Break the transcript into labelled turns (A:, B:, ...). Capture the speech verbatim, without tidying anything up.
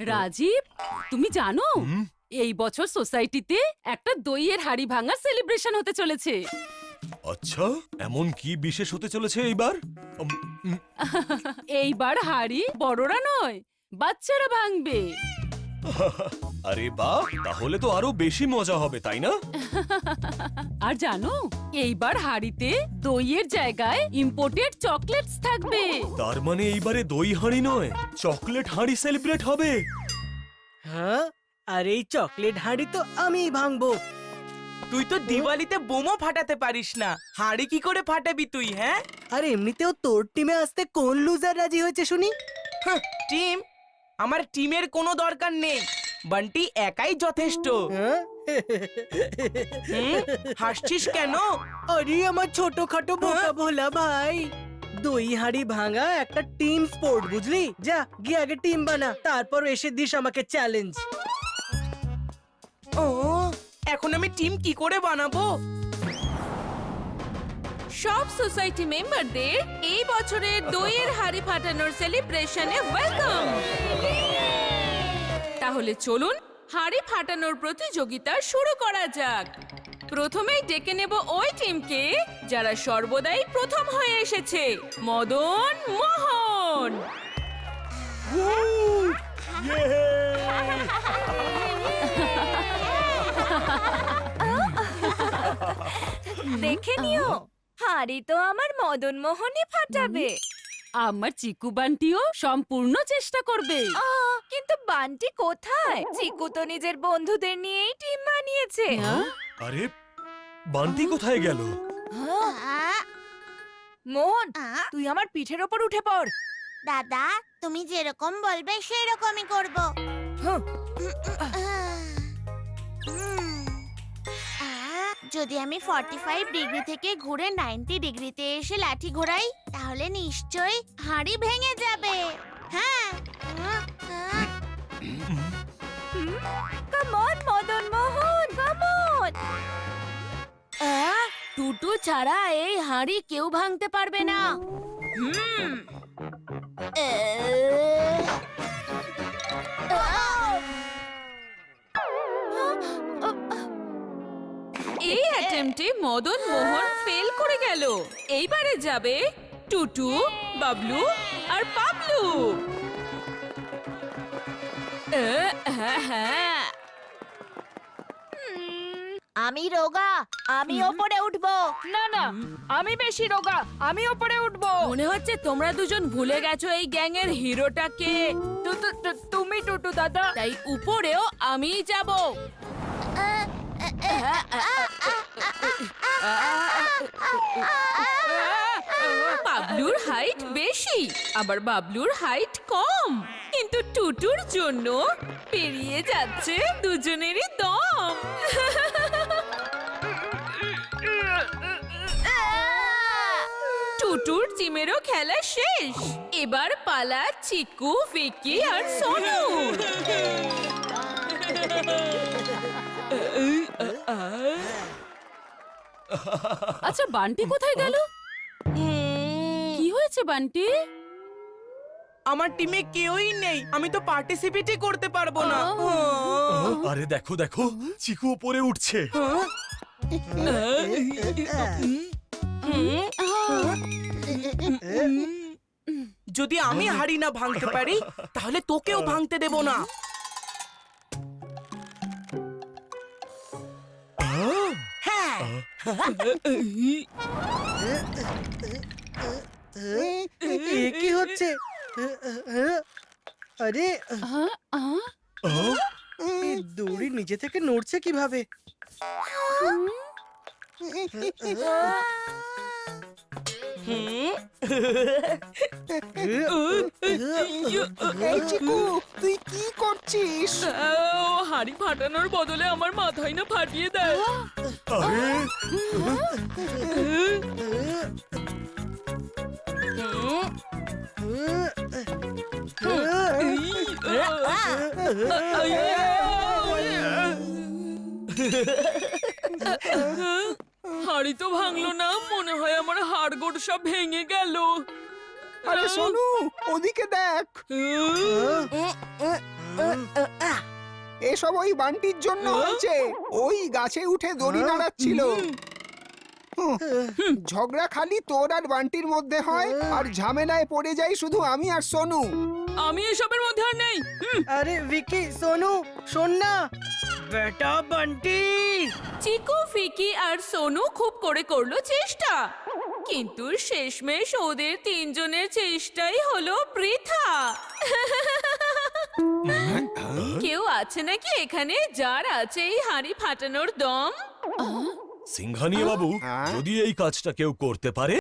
A: রাজীব, তুমি জানো এই বছর সোসাইটিতে একটা দইয়ের হাড়ি ভাঙার সেলিব্রেশন হতে চলেছে।
B: আচ্ছা, এমন কি বিশেষ হতে চলেছে এইবার? উম, উম,
A: এইবার হাড়ি বড়রা নয়, বাচ্চারা ভাঙবে।
B: আরে বাহ, তাহলে তো আরো বেশি মজা হবে, তাই না?
A: আর জানো, এইবার হাড়িতে দইয়ের জায়গায় ইম্পোর্টেড চকলেটস থাকবে।
B: তার মানে এইবারে দই হাঁড়ি নয়, চকলেট হাঁড়ি সেলিব্রেট হবে।
C: হ্যাঁ, আর এই চকলেট হাঁড়ি তো আমিই ভাঙবো।
D: তুই তো দিওয়ালিতে বোমও ফাটাতে পারিস না, হাঁড়ি কি করে ফাটাবি তুই? হ্যাঁ,
C: আর এমনিতেও তোর টিমে আসতে কোন লুজার রাজি হয়েছে শুনি?
D: হাহ, টিম? আমার টিমের কোনো দরকার নেই, বান্টি একাই যথেষ্ট।
C: হ্যাঁ?
D: হুম, হাসছিস কেন?
C: আরে আমার ছোটখাটো বোকা ভোলা ভাই, দই হাঁড়ি ভাঙা একটা টিম স্পোর্ট, বুঝলি? যা গিয়ে আগে টিম বানা, তারপর এসে দিস আমাকে চ্যালেঞ্জ।
D: ও, এখন আমি টিম কি করে বানাবো?
A: সব সোসাইটি মেম্বারদের এই বছরের দইয়ের হাড়ি ফাটানোর সেলিব্রেশনে ওয়েলকাম। তাহলে চলুন হাড়ি ফাটানোর প্রতিযোগিতা শুরু করা যাক। প্রথমেই ডেকে নেব ওই টিমকে যারা সর্বদাই প্রথম হয়ে এসেছে, মদন মোহন।
E: দেখে নিও, হাড়ি তো আমার মদন মোহনই ফাটাবে।
A: আমার চিকু বান্টিও সম্পূর্ণ চেষ্টা করবে।
E: আহ, কিন্তু বান্টি কোথায়? চিকু তো নিজের বন্ধুদের নিয়েই টিম বানিয়েছে।
B: আরে বান্টি কোথায় গেল?
E: মোহন, তুই আমার পিঠের ওপর উঠে পড়।
F: দাদা, তুমি যেরকম বলবে সেরকমই করব।
E: হুঁ।
F: যদি আমি পঁয়তাল্লিশ ডিগ্রি থেকে ঘুরে নব্বই ডিগ্রিতে এসে লাঠি ঘোরাই, তাহলে নিশ্চয়ই হাঁড়ি ভেঙে যাবে। হ্যাঁ,
E: come on Madan Mohan, come on.
A: Tutu ছাড়া এই হাড়ি কেউ ভাঙতে পারবে না। এই অ্যাটেম্পটে মদন মোহন ফেল করে গেল। এইবারে যাবে টুটু, বাবলু আর পাবলু। আহ, হ্যাঁ হ্যাঁ,
E: আমি রোগা, আমি ওপরে উঠবো। না না, আমি বেশি রোগা, আমি ওপরে উঠবো।
A: মনে হচ্ছে তোমরা দুজন ভুলে গেছো এই গ্যাং এর হিরোটাকে।
E: তুমি টুটু দাদা।
A: তাই উপরেও আমিই যাব। বাবলুর হাইট বেশি, আবার বাবলুর হাইট কম, কিন্তু টুটুর জন্য পেরিয়ে যাচ্ছে দুজনেরই দম। টুটুর টিমেরও খেলা শেষ, এবার পালা চিকু, ভিকি আর সোনু। আচ্ছা, বান্টি কোথায় গেল? কি হয়েছে বান্টি?
D: আমার টিমে কেউই নেই, আমি তো পার্টিসিপেটই করতে পারবো না।
B: আরে দেখো দেখো, চিকু উপরে উঠছে।
D: যদি আমি হাঁড়ি না ভাঙতে পারি, তাহলে তোকেও ভাঙতে দেব না। হ্যাঁ,
C: এ কি হচ্ছে? আরে এই দড়ি নিজে থেকে নড়ছে কিভাবে?
D: তুই কি করছিস?
A: হাড়ি ফাটানোর বদলে আমার মাথায় না ফাটিয়ে দেয়।
B: আরে
A: হাড়ি তো ভাঙলো না, মনে হয় আমার হাড়গোড় সব ভেঙে গেল।
G: আরে সোনু ওদিকে দেখ এসব ওই বান্টির জন্য হয়েছে। ওই গাছে উঠে দড়ি নাড়াচ্ছিল। হুঁ, ঝগড়া খালি তোর আর বান্টির মধ্যে হয়, আর ঝামেলায় পড়ে যাই শুধু আমি আর সোনু।
A: আমি এসবের মধ্যে আর নেই। হুম,
C: আরে ভিকি সোনু শোন না বেটা বান্টি।
A: চিকু ফিকি আর সোনু খুব করে করলো চেষ্টা, কিন্তু শেষমেশ ওদের তিনজনের চেষ্টাই হলো বৃথা। কেউ আছে নাকি এখানে যার আছে এই হাঁড়ি ফাটানোর দম?
B: সিংহানিয়া বাবু,
G: হ্যাঁ?
B: যদি এই কাজটা কেউ করতে পারে